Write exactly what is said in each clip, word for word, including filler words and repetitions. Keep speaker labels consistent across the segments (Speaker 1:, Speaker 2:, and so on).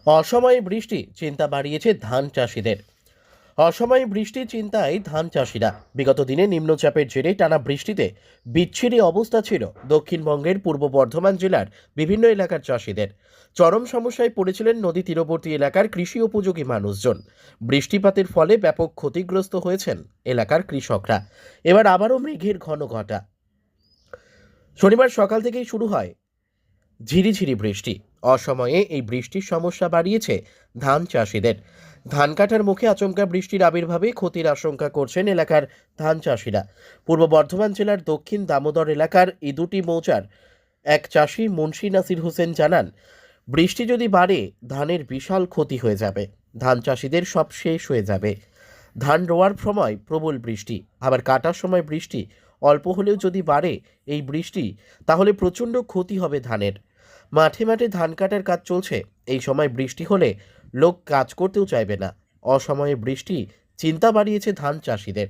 Speaker 1: অসময়ে বৃষ্টি চিন্তা বাড়িয়েছে ধান চাষিদের। অসময়ে বৃষ্টি চিন্তায় ধান চাষিরা। বিগত দিনে নিম্নচাপের জেরে টানা বৃষ্টিতে বিচ্ছিরি অবস্থা ছিল দক্ষিণবঙ্গের পূর্ব বর্ধমান জেলার বিভিন্ন এলাকার চাষিদের। চরম সমস্যায় পড়েছিলেন নদী তীরবর্তী এলাকার কৃষি উপযোগী মানুষজন। বৃষ্টিপাতের ফলে ব্যাপক ক্ষতিগ্রস্ত হয়েছেন এলাকার কৃষকরা। এবার আবারও মেঘের ঘন ঘটা। শনিবার সকাল থেকেই শুরু হয় ঝিরিঝিরি বৃষ্টি। অসময়ে এই বৃষ্টির সমস্যা বাড়িয়েছে ধান চাষিদের। ধান কাটার মুখে আচমকা বৃষ্টির আবির্ভাবে ক্ষতির আশঙ্কা করছেন এলাকার ধান চাষিরা। পূর্ব বর্ধমান জেলার দক্ষিণ দামোদর এলাকার ইদুটি মৌজার এক চাষি মুন্সি নাসির হোসেন জানান, বৃষ্টি যদি বাড়ে ধানের বিশাল ক্ষতি হয়ে যাবে। ধান চাষিদের সব শেষ হয়ে যাবে। ধান রোয়ার সময় প্রবল বৃষ্টি, আবার কাটার সময় বৃষ্টি অল্প হলেও যদি বাড়ে এই বৃষ্টি, তাহলে প্রচণ্ড ক্ষতি হবে ধানের। মাঠে মাঠে ধান কাটার কাজ চলছে। এই সময় বৃষ্টি হলে লোক কাজ করতেও চাইবে না। অসময়ে বৃষ্টি চিন্তা বাড়িয়েছে ধান চাষিদের।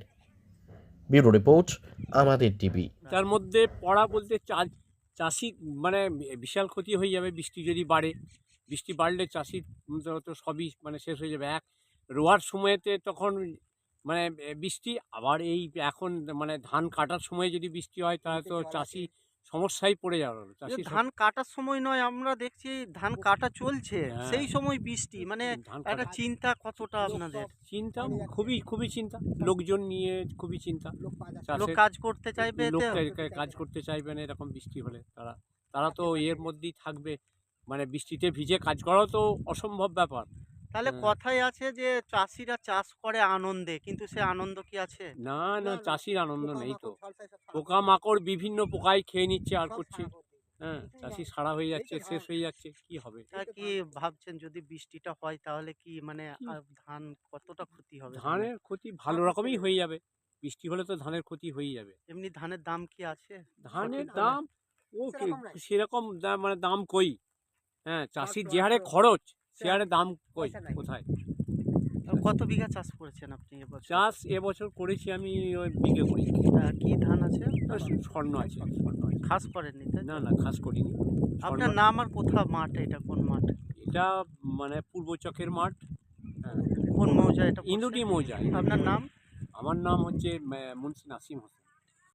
Speaker 1: ব্যুরো রিপোর্ট, আমাদের টিভি।
Speaker 2: তার মধ্যে পড়া বলতে চা- চাষি মানে বিশাল ক্ষতি হয়ে যাবে বৃষ্টি যদি বাড়ে। বৃষ্টি বাড়লে চাষির তো সবই মানে শেষ হয়ে যাবে। এক রোয়ার সময়তে তখন মানে বৃষ্টি, আবার এই এখন মানে ধান কাটার সময় যদি বৃষ্টি হয় তাহলে তো চাষি সমস্যায় পড়ে যাবে।
Speaker 3: যে
Speaker 2: চাষি
Speaker 3: ধান কাটার সময় নয়, আমরা দেখছি ধান কাটা চলছে,
Speaker 2: হ্যাঁ।
Speaker 3: সেই সময় বৃষ্টি, মানে
Speaker 2: ধান
Speaker 3: একটা
Speaker 2: কাটা
Speaker 3: চিন্তা কতটা আপনাদের?
Speaker 2: চিন্তা, খুবই খুবই চিন্তা, লোকজন নিয়ে খুবই চিন্তা।
Speaker 3: লোক
Speaker 2: চাষের
Speaker 3: কাজ করতে চাইবে
Speaker 2: লোক
Speaker 3: এতে?
Speaker 2: কাজ করতে চাইবে না এরকম বৃষ্টি হলে। তারা তারা তো এর মধ্যেই থাকবে, মানে বৃষ্টিতে ভিজে কাজ করাও তো অসম্ভব ব্যাপার।
Speaker 3: তাহলে
Speaker 2: হ্যাঁ।
Speaker 3: কথাই আছে যে চাষিরা চাষ করে আনন্দে, কিন্তু সে আনন্দ কি আছে?
Speaker 2: না না, চাষির আনন্দ নেই তো। পোকামাকড় বিভিন্ন পোকায় খেয়ে নিচ্ছে আর করছে। হ্যাঁ, চাষি সারা হয়ে যাচ্ছে, শেষ হয়ে যাচ্ছে, কি হবে?
Speaker 3: তা কি ভাবছেন, যদি বৃষ্টিটা হয় তাহলে কি মানে
Speaker 2: কি?
Speaker 3: আহ, ধান কতটা ক্ষতি হবে ধানের?
Speaker 2: ধানের ক্ষতি ভালো রকমই হয়ে যাবে। বৃষ্টি হলে তো ধানের ক্ষতি হয়ে যাবে।
Speaker 3: এমনি ধানের দাম কি আছে
Speaker 2: ধানের
Speaker 3: সঠিকভাবে?
Speaker 2: দাম ও কি- সেরকম দাম মানে দাম কই। হ্যাঁ, চাষির যে হারে খরচ সে হারে দাম কই কোথায়?
Speaker 3: আর কত বিঘা চাষ করেছেন আপনি এবছর?
Speaker 2: চাষ এবছর করেছি আমি ওই বিঘে করি।
Speaker 3: আহ, কি ধান আছে?
Speaker 2: আর স্বর্ণ আছে, স্বর্ণ আছে।
Speaker 3: খাস করেননি তাই তো?
Speaker 2: না না, খাস করিনি।
Speaker 3: আপনার
Speaker 2: স্বর্ণ-
Speaker 3: নাম আর কোথাও মাঠ, এটা কোন মাঠ?
Speaker 2: এটা মানে পূর্ব চকের মাঠ। হ্যাঁ,
Speaker 3: কোন মৌজা এটা পড়ছে?
Speaker 2: ইন্দুটি মৌজা।
Speaker 3: আপনার নাম?
Speaker 2: আমার নাম হচ্ছে মুন্সি নাসিম হোসেন।